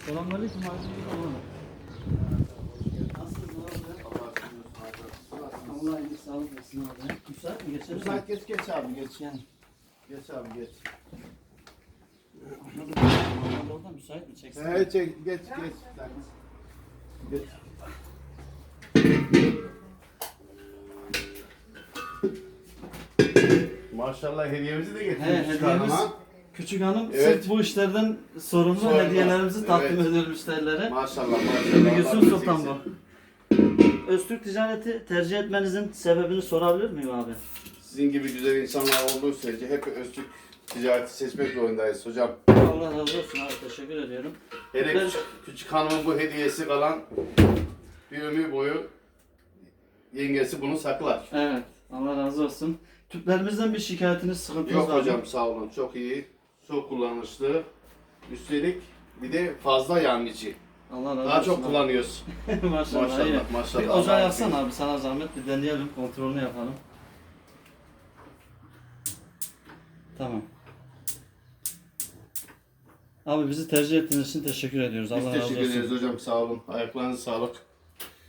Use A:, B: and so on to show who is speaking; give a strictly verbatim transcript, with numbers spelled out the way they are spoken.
A: Selamünaleyküm abi. Nasılsın abi? Allah iyilik sağlık versin abi. Müsait mi? Geçelim mi?
B: Müsait geç geç abi geç.
A: Yani.
B: Geç abi geç.
A: Anladım. Orada müsait mi? Çeksin.
B: Evet çek geç geç. Geç. Maşallah hediyemizi de
A: He,
B: getirmiş
A: hediyemiz
B: hanıma.
A: küçük hanım
B: Evet.
A: sırf bu işlerden sorumlu
B: Sorumlu.
A: hediyelerimizi takdim
B: Evet.
A: ediyor müşterilere.
B: Maşallah maşallah.
A: Gülsüm
B: Allah
A: Sultan
B: razı
A: bu.
B: olsun.
A: Öztürk ticareti tercih etmenizin sebebini sorabilir miyim abi?
B: Sizin gibi güzel insanlar olduğu sürece hep Öztürk ticareti seçmek zorundayız hocam.
A: Allah razı olsun abi, teşekkür ediyorum.
B: Hele
A: Ben-
B: küçük, küçük hanımın bu hediyesi kalan bir ömür boyu yengesi bunu saklar.
A: Evet, Allah razı olsun. Tüplerimizden bir şikayetiniz, sıkıntınız
B: Yok
A: var mı?
B: hocam sağ olun çok iyi. Çok kullanışlı. Üstelik bir de fazla yanıcı.
A: Allah razı
B: Daha
A: olsun.
B: çok
A: abi.
B: kullanıyoruz.
A: maşallah.
B: Maşallah,
A: iyi.
B: maşallah.
A: Bir ocağı
B: Allah
A: yaksana abi, sana zahmet, bir deneyelim, kontrolünü yapalım. Tamam. Abi bizi tercih ettiğiniz için teşekkür ediyoruz.
B: Biz
A: Allah razı
B: teşekkür
A: olsun.
B: ederiz hocam sağ olun. Ayaklarınıza sağlık.